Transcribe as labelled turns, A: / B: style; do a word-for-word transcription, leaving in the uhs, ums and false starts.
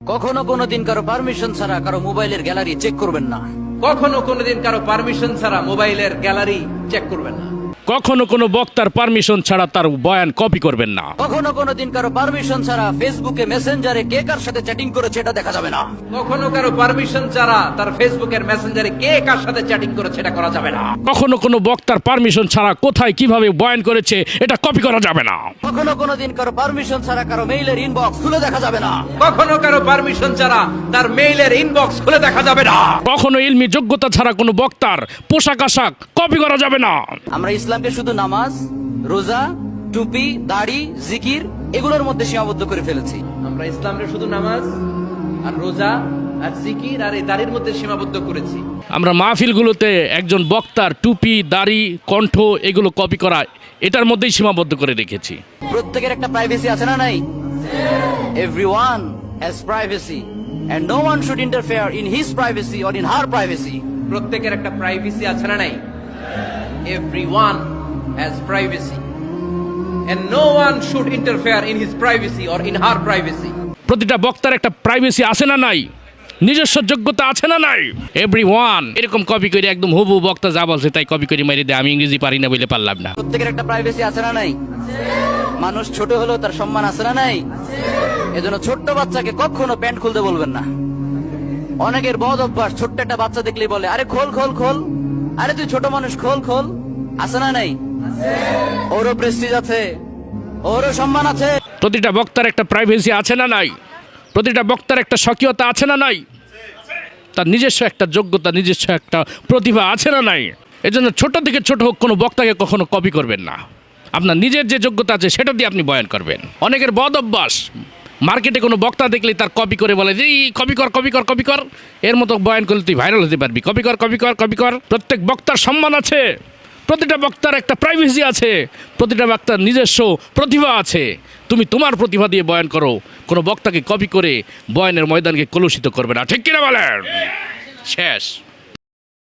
A: কখনো কোনোদিন কারো পারমিশন ছাড়া কারো মোবাইলের গ্যালারি চেক করবেন না।
B: কখনো কোনোদিন কারো পারমিশন ছাড়া মোবাইলের গ্যালারি চেক করবেন না।
C: কখনো কোনো বক্তার পারমিশন ছাড়া তার বয়ান কপি করবেন না।
A: কখনো কোনোদিন কারো পারমিশন ছাড়া ফেসবুকে মেসেঞ্জারে কে কার সাথে চ্যাটিং করেছে এটা দেখা যাবে না।
B: কখনো কারো পারমিশন ছাড়া তার ফেসবুকের মেসেঞ্জারে কে কার সাথে চ্যাটিং করেছে এটা করা যাবে না।
C: কখনো কোনো বক্তার পারমিশন ছাড়া কোথায় কিভাবে বয়ান করেছে এটা কপি করা যাবে না।
A: কখনো কোনোদিন কারো পারমিশন ছাড়া কারো মেইলের ইনবক্স খুলে দেখা যাবে না।
B: কখনো কারো পারমিশন ছাড়া তার মেইলের ইনবক্স খুলে দেখা যাবে না।
C: কখনো ইলমি যোগ্যতা ছাড়া কোনো বক্তার পোশাক আশাক কপি করা যাবে না।
A: আমরা ইসলামকে শুধু নামাজ, রোজা, টুপি, দাড়ি, জিকির এগুলোর মধ্যে সীমাবদ্ধ করে ফেলেছি।
B: আমরা ইসলামের শুধু নামাজ আর রোজা আর জিকির আর এই দাড়ির মধ্যে সীমাবদ্ধ করেছি।
C: আমরা মাহফিলগুলোতে একজন বক্তার টুপি, দাড়ি, কণ্ঠ এগুলো কপি করা এটার মধ্যেই সীমাবদ্ধ করে রেখেছি।
A: প্রত্যেকের একটা প্রাইভেসি আছে না নাই? Everyone has privacy and no one should interfere in his privacy or in her privacy.
B: প্রত্যেকের একটা প্রাইভেসি আছে না নাই? Everyone has privacy and no one should interfere in his privacy or in her privacy.
C: প্রতিটা বক্তার একটা privacy আছে না নাই? নিজস্ব যোগ্যতা আছে না নাই? এভরিওয়ান এরকম কপি করে একদম হুবহু বক্তা যা বলছে তাই কপি করে মেরে দেয়। আমি ইংরেজি পারি না বলে পারলাম না।
A: প্রত্যেকের একটা প্রাইভেসি আছে না নাই? মানুষ ছোট হলেও তার সম্মান আছে না নাই? এজন্য ছোট্ট বাচ্চাকে কখনো প্যান্ট খুলতে বলবেন না। অনেকের বদ অভ্যাস, ছোট্ট একটা বাচ্চা দেখলেই বলে আরে খোল খোল খোল, আরে তুই ছোট মানুষ খোল খোল। আছে না নাই? ওরও প্রেস্টিজ আছে, ওরও সম্মান আছে।
C: প্রতিটা বক্তার একটা প্রাইভেসি আছে না নাই? প্রতিটা বক্তার একটা স্বকীয়তা আছে না নাই? তার নিজস্ব একটা যোগ্যতা, নিজস্ব একটা প্রতিভা আছে না নাই? এজন্য ছোট থেকে ছোট হোক কোনো বক্তাকে কখনো কপি করবেন না। আপনার নিজের যে যোগ্যতা আছে সেটা দিয়ে আপনি বয়ান করবেন। অনেকের বদ অভ্যাস, মার্কেটে কোনো বক্তা দেখলেই তার কপি করে বলে যে এই কপি কর কপি কর কপি কর, এর মতো বয়ান করলে তুই ভাইরাল হতে পারবি, কপি কর কপি কর কপি কর। প্রত্যেক বক্তার সম্মান আছে, প্রতিটা বক্তার একটা প্রাইভেসি আছে, প্রতিটা বক্তার নিজস্ব প্রতিভা আছে। তুমি তোমার প্রতিভা দিয়ে বয়ান করো, কোনো বক্তাকে কপি করে বয়ানের ময়দানকে কলুষিত করবে না। ঠিক কিনা বলেন? শেষ।